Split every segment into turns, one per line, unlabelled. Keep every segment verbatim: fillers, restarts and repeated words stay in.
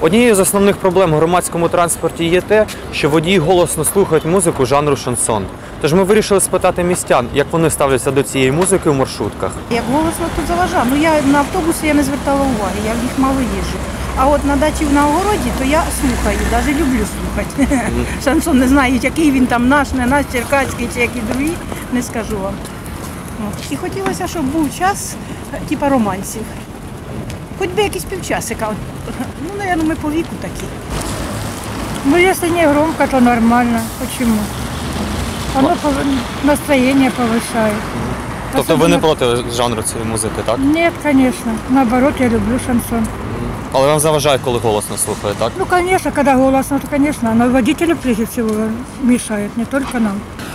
Однією з основних проблем в громадському транспорті є те, що водії голосно слухають музику жанру шансон. Тож ми вирішили спитати містян, як вони ставляться до цієї музики в маршрутках.
Як голосно тут заважав. Ну я на автобусі я не звертала уваги, я в них мало їжджу. А от на дачі на огороді, то я слухаю, навіть люблю слухати. Mm. Шансон не знаю, який він там наш, не наш, черкаський чи який другий, не скажу вам. І хотілося, щоб був час, типу романсів. Хоч би якийсь півчасика. Ну, мабуть, ми по віку такі.
Ну, если не громко, то нормально. Почему? Оно настроение повышает.
Тобто ви не проти жанру цієї музики, так?
Нет, конечно. Наоборот, я люблю шансон.
Але вам заважає, коли голосно слухає, так?
Ну, конечно, когда голосно, то, конечно. Но водителю, прежде всего, мешает, не только нам.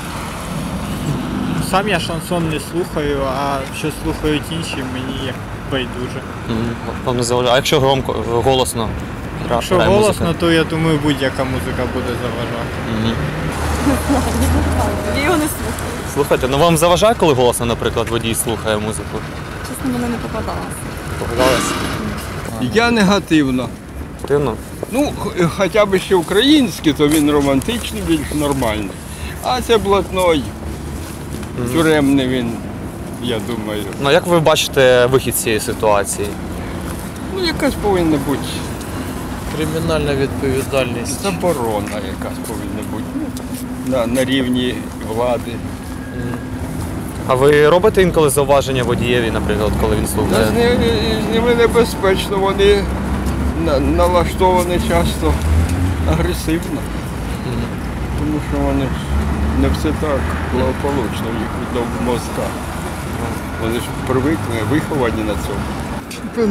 Сам я шансон не слухаю, а що слухають інші, мені як байдуже.
Вам не заважає. А якщо громко, голосно грає
Якщо
музика?
голосно, то я думаю, будь-яка музика буде заважати.
Угу.
Я його не слухаю.
Слухайте, ну вам заважає, коли голосно, наприклад, водій слухає музику?
Чесно, мене не попадалося.
Попадалось?
Я негативно.
Дивно.
Ну, х- хоча б ще український, то він романтичний, більш нормальний. А це блатной, тюремний він, я думаю.
Ну як ви бачите вихід з цієї ситуації?
Ну, якась повинна бути
Кримінальна відповідальність.
заборона, якась повинна бути. Ну, на, на рівні влади.
А ви робите інколи зауваження водієві, наприклад, коли він
Та
слухає?
з ними, з ними небезпечно, вони на, налаштовані часто агресивно. Тому що вони ж не все так благополучно в їх в мозках. Вони ж привикли, виховані на цьому.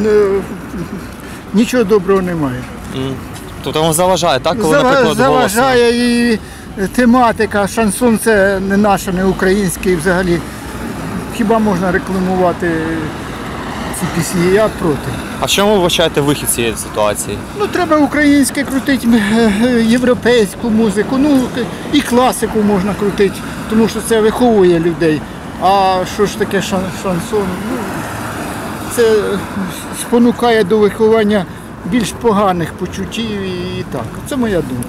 Нічого доброго немає.
М. Тобто вам заважає, так, коли,
Зава-
наприклад, голосно?
Заважає і тематика, шансон це не наше, не український взагалі. Хіба можна рекламувати ці пісні? Я проти.
А в чому ви вбачаєте вихід з цієї ситуації?
Ну, треба українське крутити, е, е, європейську музику, ну і класику можна крутити, тому що це виховує людей. А що ж таке шан- шансон? Ну, це спонукає до виховання більш поганих почуттів і так. Це моя думка.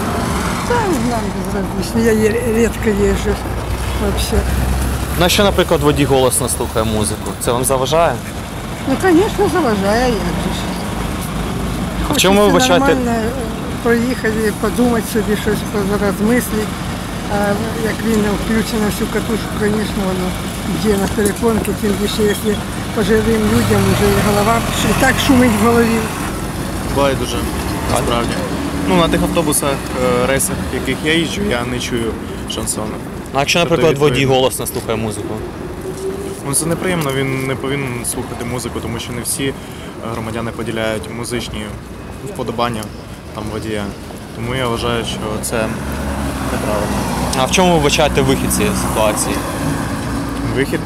Нам безразлично, я редко езжу вообще.
Ну, а що, наприклад, водій голосно слухає музику? Це вам заважає?
Ну, конечно, заважає, як же ж.
А в чому ви вбачаєте?
Нормально проїхати, подумати собі щось, розмислити. А як він включено всю катушку, звісно, воно йде на перепонки, тим більше, якщо пожилим людям вже і голова і так шумить в голові.
Байдуже, насправді. Ну, на тих автобусах, е, рейсах, в яких я їжджу, я не чую шансону.
А якщо,
Тобто,
наприклад, водій
відповідно,
голосно слухає музику?
Ну, це неприємно, він не повинен слухати музику, тому що не всі громадяни поділяють музичні вподобання там водія. Тому я вважаю, що це неправильно.
А в чому ви вбачаєте вихід з цієї ситуації?
Вихід?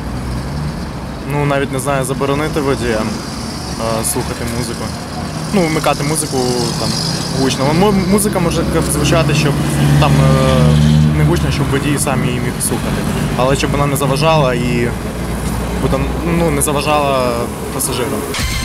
Ну, навіть не знаю, заборонити водіям е, слухати музику. Ну, вмикати музику там гучно. М- Музика може звучати, щоб там е, не гучно, щоб водій сам її міг слухати. Але щоб вона не заважала і ну, не заважала пасажирам.